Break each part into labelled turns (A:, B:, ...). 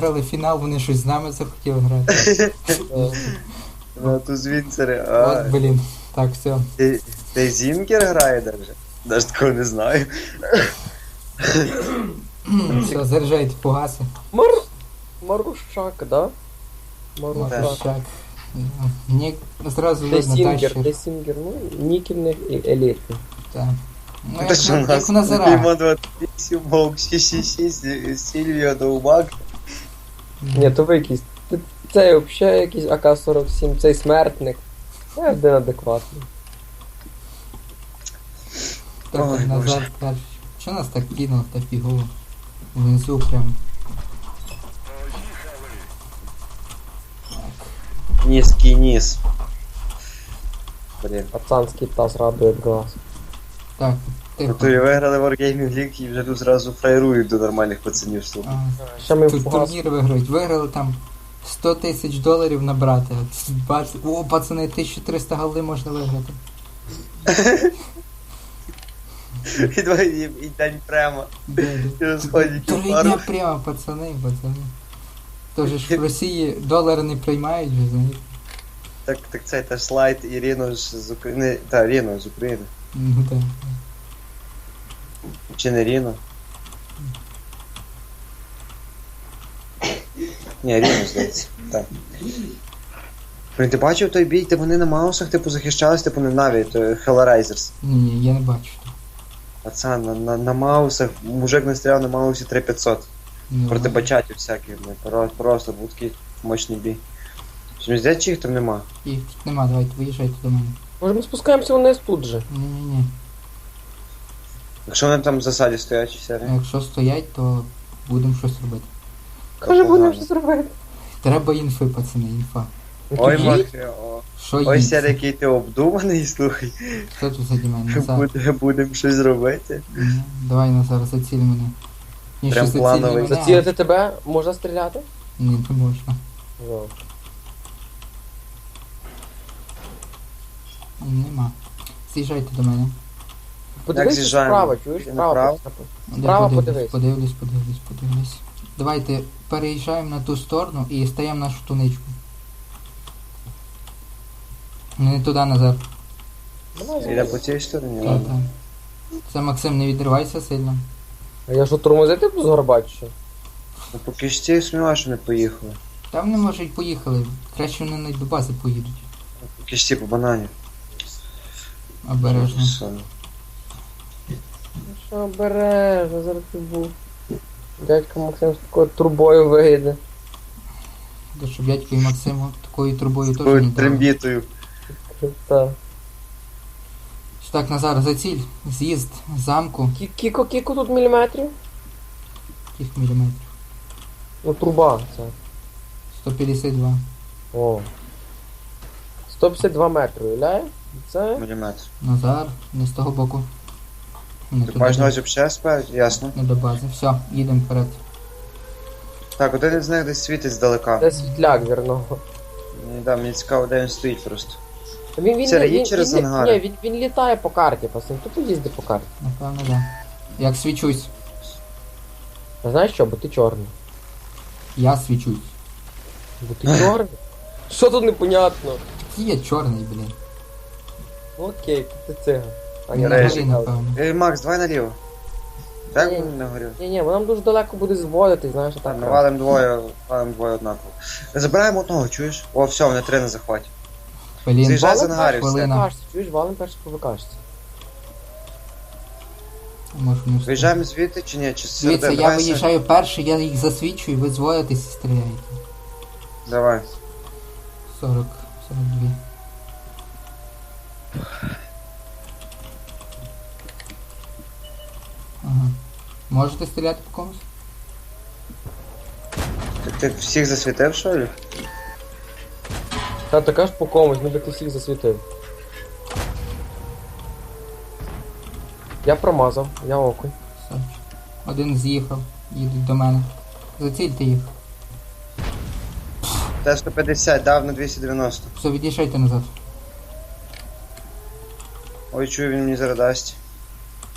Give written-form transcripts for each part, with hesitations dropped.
A: виграли фінал, вони щось з нами захотіли грати.
B: Тут звінцери.
A: От, блін. Так, все.
B: Ти Зінкер грає даже? Даже такого не знаю.
A: Все, заряджайте погаси.
C: Марушак, да? Марушак.
A: Марушак. Мені зразу
C: Де
A: видно
C: Сінгер,
A: тащер.
C: де Сінгер, ну, нікельний і елітний.
A: Так. Ну,
B: Те, що у
A: як
B: нас
A: в Назара.
B: Дімон 28, Волк 666, Сільвія Довбак.
C: Ні, то ви якийсь. Цей взагалі якийсь АК-47, цей смертник. Я один адекватний.
A: Так,
B: Ой,
A: Назар
B: Боже.
A: перший. Що нас так кинуло та фігово? Внизу прям.
B: Низький низ. Блін.
C: Пацанський таз радує глаз.
A: Так, тихо.
B: Тобто виграли Wargaming League і вже тут зразу фраєрують до нормальних пацанів. Слухай.
C: Ще ми в
A: Тут
C: погас.
A: турнір виграють. Виграли там 100 тисяч доларів набрати. О, пацани, 1300 голди можна виграти.
B: І день прямо.
A: Де?
B: І розходять у
A: 3
B: пару.
A: дня прямо, пацани. Тож ж в Росії долари не приймають, ви знаєте.
B: Так це теж слайд Ірину з України. Та, Ріно з України.
A: Ну так.
B: Чи не Ріно? Ні, Ріно, здається. Так. Блін, ти бачив той бій, де вони на маусах, типу, захищались, типу, не Наві, то Hellraisers.
A: Ні, я не бачу.
B: Пацан, на маусах, мужик настріляв на маусі 3500.
A: Ну,
B: Проти бачатів всяких, просто був такий мощний бій. Чи не здається, чи їх там нема?
A: їх тут нема, давайте виїжджайте до мене.
C: Може ми спускаємося вниз тут же?
A: Ні-ні-ні.
B: Якщо вони там в засаді стоять, чи все,
A: А якщо стоять, то будемо щось робити.
C: Каже, будемо щось робити.
A: Треба інфи, пацани, інфа.
B: Ой,
C: Тоді
B: Махрі, о.
A: Що
B: Ой,
A: їм?
B: сяде, який ти обдуманий, слухай.
A: Хто тут заді мене? Назар.
B: Будемо щось робити.
A: Ні. Давай, Назар, заціль мене. Ні,
B: Прям
A: що заціль
B: плановий.
A: мене.
C: Зацілити тебе можна стріляти?
A: Ні, не можна.
C: Ну.
A: Нема. З'їжджайте до мене.
C: Подивись
B: з'їжджаємо?
C: справа, чуєш?
B: Чи
C: Справа.
B: направо?
A: Я
C: Справа
A: подивлюсь. Давайте переїжджаємо на ту сторону і стаємо нашу туничку. Не туди, Назар.
B: Іде по цій стороні,
A: Так,
B: ладно.
A: так. Це, Максим, не відривайся сильно.
C: А я що тормозити буду згорбати, що?
B: Ну поки ж ці сумніваюся, що не поїхали.
A: Там не може й поїхали. Краще вони навіть до бази поїдуть.
B: Поки ж ці по банані.
A: Обережно.
B: Що?
C: Що обережно, зараз ти був. Дядько Максим з такою трубою вийде.
A: Та щоб дядько і Максиму такою трубою теж не
B: Такою
A: дали.
B: трембітою.
C: Так.
A: Так, Назар, заціль. З'їзд з замку.
C: Кіко тут міліметрів?
A: Кілька міліметрів.
C: Ну труба це.
A: 152.
C: О. 152 метри, уявляє? Це?
B: Міліметр.
A: Назар, не з того боку. Не
B: Ти
A: туди.
B: маєш на увазі взагалі сперед? Ясно.
A: Не до бази. Все, їдемо вперед.
B: Так, один із них десь світить здалека.
C: Це світляк вірного.
B: Да, мені цікаво, де він стоїть просто.
C: Він,
B: Це їдь через ангари?
C: Ні, він літає по карті, пацан. Тут їздить по карті.
A: Напевно, так. Да. Як свічусь.
C: А знаєш що, бо ти чорний.
A: Я свічусь.
C: Бо ти чорний? Що тут непонятно?
A: Який я чорний, блін.
C: Ну окей, ти циган. А
A: Не
C: ні,
A: на
B: режі,
A: горі, напевно.
B: Макс, давай наліво. Так
C: Ні.
B: він не горів.
C: Ні, бо нам дуже далеко буде зводити, знаєш, а так.
B: Так, валим двоє однаково. Забираємо одного, чуєш? О, все, вони 3 на захваті.
A: Блін,
B: З'їжджай з
C: Валим
B: ангарів,
C: перший
A: хвилина.
C: ВКшці, чуєш, валим перший по ВКшці.
A: Може, не встиг.
B: Виїжджаємо звідти чи ні? Чи
A: Дивіться,
B: серед-
A: я
B: давай
A: виїжджаю перший, я їх засвічую, ви зводитесь і стріляєте.
B: Давай.
A: 40, 42. Ага. Можете стріляти по комусь?
B: Ти всіх засвітив, що ли?
C: Та така ж по комусь, ніби ти всіх засвітив. Я промазав, я окунь.
A: Сорч. Один з'їхав, їдуть до мене. Зацільте їх.
B: Т-150 дав на 290.
A: Все, від'їжджайте назад.
B: Ой, чую, він мені зараз дасть.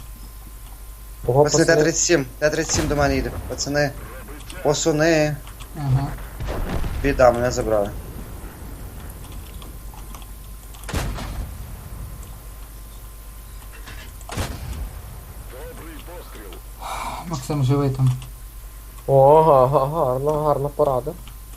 C: Ого,
B: Пацани,
C: пацани.
B: Т-37 до мене їде. Пацани. Посуни.
A: Ага.
B: Біда, мене забрали.
A: Максим, живи там.
C: О, гарна порада.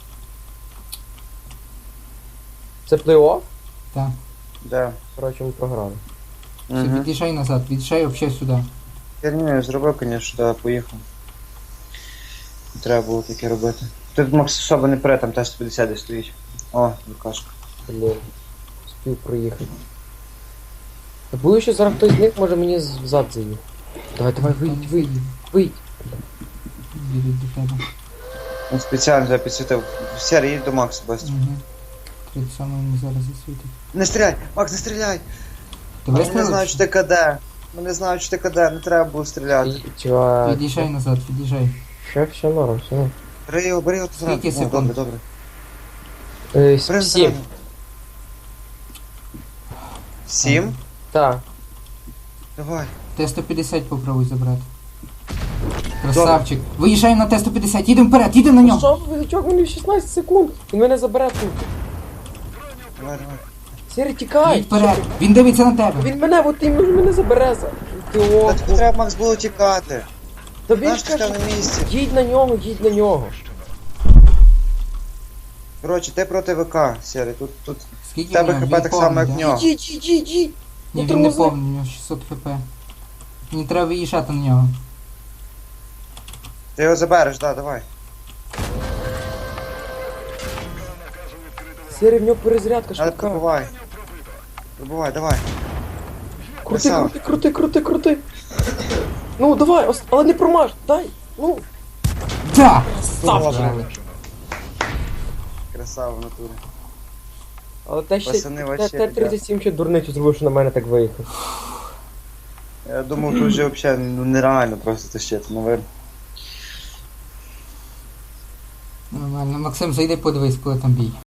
C: Це плей-офф?
A: Так.
B: Де?
C: Коротше, ми програли.
A: Все,
B: Угу.
A: від'їжджай назад, від'їжджай взагалі сюди.
B: Я не зробив, звісно, да, поїхав. Не треба було таке робити. Тут Макс особо не пре, там теж 150 десь стоїть. О, Лукашка.
C: Блін. Спів проїхати. Я боюсь, що зараз хтось з них може мені взад заїхати. Давай, вийдь.
A: Їдуть до тебе.
B: Він спеціально тебе підсвітив. Сірий, їдь до Макса, быстро.
A: Угу. 37 мені зараз засвітить.
B: Не стріляй! Макс, не стріляй!
A: Ти
B: Вони
A: вистрілив?
B: знають, що ти КД. Вони знають, що ти КД, не треба було стріляти.
C: Чувак.
A: Від'їжджай назад, від'їжджай.
C: Все норм, все норм.
B: Бери його зразу.
A: Скільки
B: О,
A: секунд?
B: добре. Бери
C: 7.
B: зразу. 7?
C: Так.
B: Давай.
A: Т-150 попробуй забрати. Красавчик. Виїжджай на Т-150, їдемо вперед, їдемо на нього.
C: Що ви, чувак, мені 16 секунд. Він мене забере тут.
B: Давай.
C: Сірий, тікай.
A: Їдь вперед, він дивиться на тебе.
C: Він мене, от він мене забере за.
B: Та тобі треба, Макс, було тікати.
C: Та він
B: Знаєш,
C: ж
B: ти став
C: каже,
B: на місці.
C: їдь на нього.
B: Коротше, ти проти ВК, Сірий. Тут
A: Скільки
B: в тебе
A: в нього?
B: хп
A: Він
B: так само, як
A: повний,
B: в
A: да?
B: нього.
C: Їдь.
A: Ні,
C: Ну,
A: він не
C: тормози.
A: повний, у нього 600 хп. Мені треба виїжджати на нього.
B: Ти його забереш, да, давай.
C: Сірий, в нього перезарядка
B: Але
C: швидка.
B: пробивай. Пробивай, давай. Красава.
C: Крути. Ну, давай, але не промаж, дай. Ну,
A: Да!
B: Добре. Красава в натурі.
C: але те ще
B: Пацани, вообще,
C: Т-37 ще дурницю зробив, що на мене так виїхав.
B: Я думав, тут вже взагалі нереально просто тащити, наверное.
A: Нормально. Максим, зайди подивись, коли там бій.